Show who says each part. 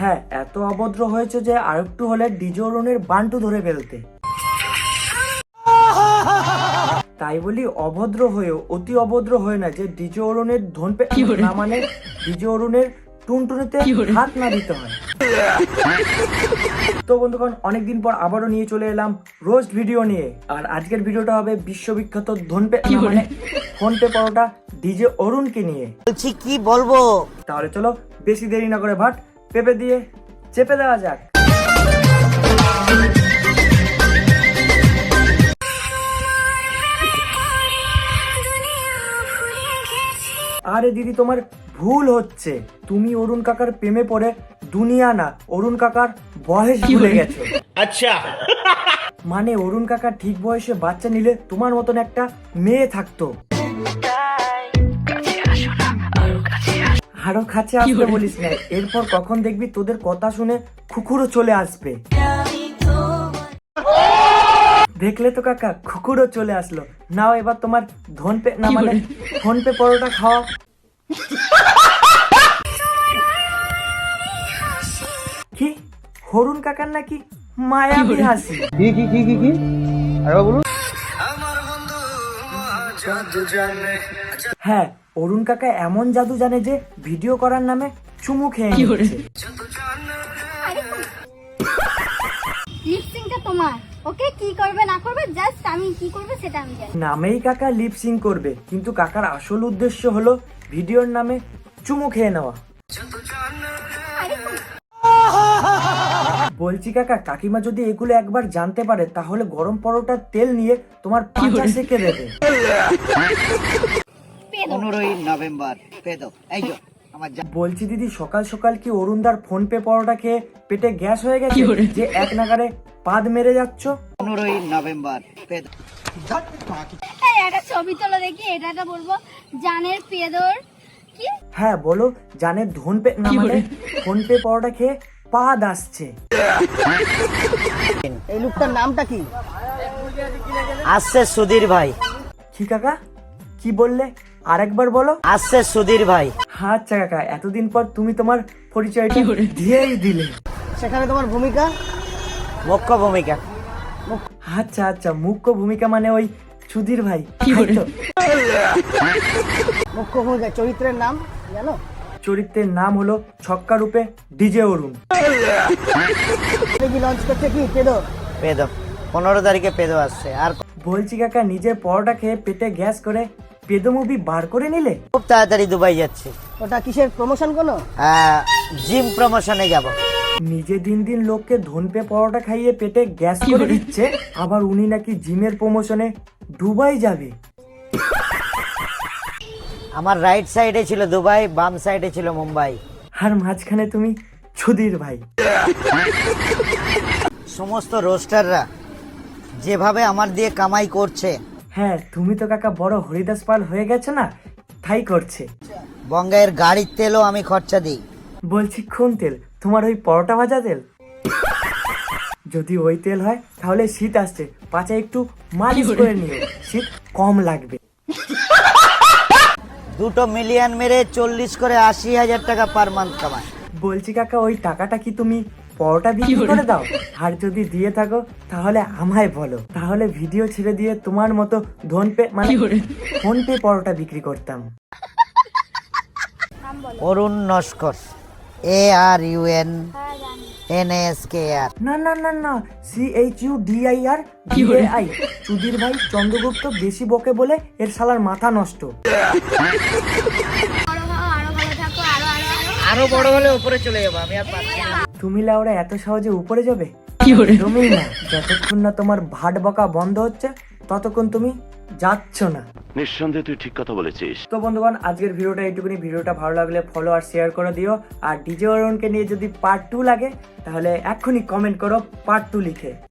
Speaker 1: হ্যাঁ, এত অভদ্র হয়েছে যে আরেকটু হলে ডিজে অরুণের বান্টু ধরে ফেলতে। তাই বলি অভদ্র হয়েও অতি অভদ্র হয়ে না যে ডিজে অরুণের ধনপে না মানে ডিজে অরুণের টুনটুনিতে হাত না দিতে হয়। তো বন্ধুগণ, অনেকদিন পর আবারও নিয়ে চলে এলাম রোস্ট ভিডিও নিয়ে। আর আজকের ভিডিওটা হবে বিশ্ববিখ্যাত ধনপে মানে ফোনপে পরোটা ডিজে অরুণকে নিয়ে।
Speaker 2: বলছি কি বলবো,
Speaker 1: তাহলে চলো বেশি দেরি না করে ভাট পেঁপে দিয়ে চেপে দেওয়া যাক। আরে দিদি, তোমার ভুল হচ্ছে। তুমি অরুণ কাকার প্রেমে পড়ে দুনিয়া না, অরুণ কাকার বয়স ভুলে গেছো।
Speaker 2: আচ্ছা
Speaker 1: মানে অরুণ কাকার ঠিক বয়সে বাচ্চা নিলে তোমার মতন একটা মেয়ে থাকতো। আরো কাছে আসতে বলিস না, এরপর কখন দেখবি তোদের কথা শুনে কুকুরও চলে আসবে। দেখলে তো কাকা, কুকুরও চলে আসলো। নাও এবার তোমার ধনপে না মানে ফোনপে পরোটা খাওয়া। কি অরুণ কাকার নাকি মায়াবী হাসি?
Speaker 2: কি আরে বলুন।
Speaker 1: হ্যাঁ, অরুণ কাকা এমন জাদু জানে যে ভিডিও করার নামে চুমু খেয়ে নিচ্ছে।
Speaker 3: লিপসিংটা তোমার, ওকে কি করবে না করবে জাস্ট আমি কি করবে সেটা আমি জানি।
Speaker 1: নামেই কাকা লিপসিং করবে, কিন্তু কাকার আসল উদ্দেশ্য হলো ভিডিওর নামে চুমু খেয়ে নেওয়া। বলছি কাকা, কাকিমা যদি এগুলো একবার জানতে পারে তাহলে গরম পরোটার তেল নিয়ে তোমার পাঁচা সেকে দেবে।
Speaker 2: 15ই নভেম্বর
Speaker 1: বলছি দিদি, সকাল সকাল কি অরুণদার ফোনপে পরোটা খেয়ে পেটে গ্যাস হয়ে গেছে যে এক নাগারে পাদ মেরে যাচ্ছ?
Speaker 2: 15ই নভেম্বর
Speaker 3: একটা ছবি তোলো দেখি, এটা বলবো জানের পেদর কি?
Speaker 1: হ্যাঁ বলো, জানের ধনপে না মানে ফোনপে পরোটা খেয়ে পাদ আসছে।
Speaker 2: এই লোকটার নামটা কি? আসছে সুধীর ভাই।
Speaker 1: কি কাকা, কি বললে আরেকবার বলো?
Speaker 2: আসছে সুধীর ভাই।
Speaker 1: আচ্ছা কাকা, এতদিন পর তুমি তোমার পরিচয়টা দিয়েই দিলে।
Speaker 2: সেখানে তোমার ভূমিকা মুখ্য ভূমিকা।
Speaker 1: আচ্ছা আচ্ছা, মুখ্য ভূমিকা মানে ওই সুধীর ভাই।
Speaker 2: মুখ্য ভূমিকা চরিত্রের নাম জানো?
Speaker 1: চরিত্রের নাম হলো ছক্কা রূপে ডিজে অরুণ।
Speaker 2: লঞ্চ করছে কি পেদো? 15 তারিখে পেদো আসছে। আর
Speaker 1: বলছি কাকা, নিজের পরোটা খেয়ে পেটে গ্যাস করে পেদো মুভি বার করে নিলে?
Speaker 2: খুব তাড়াতাড়ি দুবাই যাচ্ছে। ওটা কিসের প্রমোশন? কোনো জিম প্রমোশনে যাব।
Speaker 1: নিজে দিন দিন লোককে ধনপে পরোটা খাইয়ে পেটে গ্যাস করে দিচ্ছে, আবার উনি নাকি জিমের প্রমোশনে দুবাই যাবে।
Speaker 2: আমার রাইট সাইডে ছিল দুবাই, বাম সাইডে ছিল মুম্বাই,
Speaker 1: আর মাঝখানে তুমি সুধীর ভাই।
Speaker 2: সমস্ত রোস্টাররা যেভাবে আমার দিয়ে কামাই করছে।
Speaker 1: হ্যাঁ, তুমি তো কাকা বড় হরিদাস পাল হয়ে গেছো না, তাই করছে।
Speaker 2: বঙ্গাইয়ের গাড়ির তেলও আমি খরচা দিই।
Speaker 1: বলছি কোন তেল? তোমার ওই পরোটা ভাজা তেল? যদি ওই তেল হয় তাহলে শীত আসছে, পাচা একটু মালিশ করে নিও, শীত কম লাগবে।
Speaker 2: 2 মিলিয়ন মেরে 40 করে 80,000 টাকা পার মান্থ কামায়।
Speaker 1: বলছি কাকা, ওই টাকাটা কি তুমি পরোটা বিক্রি করে দাও? আর যদি দিয়ে থাকো তাহলে আমায় বলো, তাহলে ভিডিও ছেড়ে দিয়ে তোমার মতো ধনপে মানে ফোনপে পরোটা বিক্রি করতাম।
Speaker 2: অরুণ নস্কর, ARUNNSKR।
Speaker 1: না না না না, CHUDIR DAI। সুধীর ভাই চন্দ্রগুপ্ত বেশি বকে বলে এর শালার মাথা নষ্ট।
Speaker 2: আরো বড় হলে উপরে চলে যাবো আমি, আর পারছি না।
Speaker 1: তুমি লাউরা এত সহজে উপরে যাবে? তুমি না, যতক্ষণ না তোমার ভাট বকা বন্ধ হচ্ছে ততক্ষণ তুমি যাচ্ছ না।
Speaker 4: নিঃসন্দেহে তুই ঠিক কথা বলেছিস।
Speaker 1: তো বন্ধুগণ, আজকের ভিডিওটা এইটুকুনি। ভিডিওটা ভালো লাগলে ফলো আর শেয়ার করে দিও। আর ডিজে অরুণকে নিয়ে যদি পার্ট 2 লাগে তাহলে এক্ষুনি কমেন্ট করো পার্ট 2 লিখে।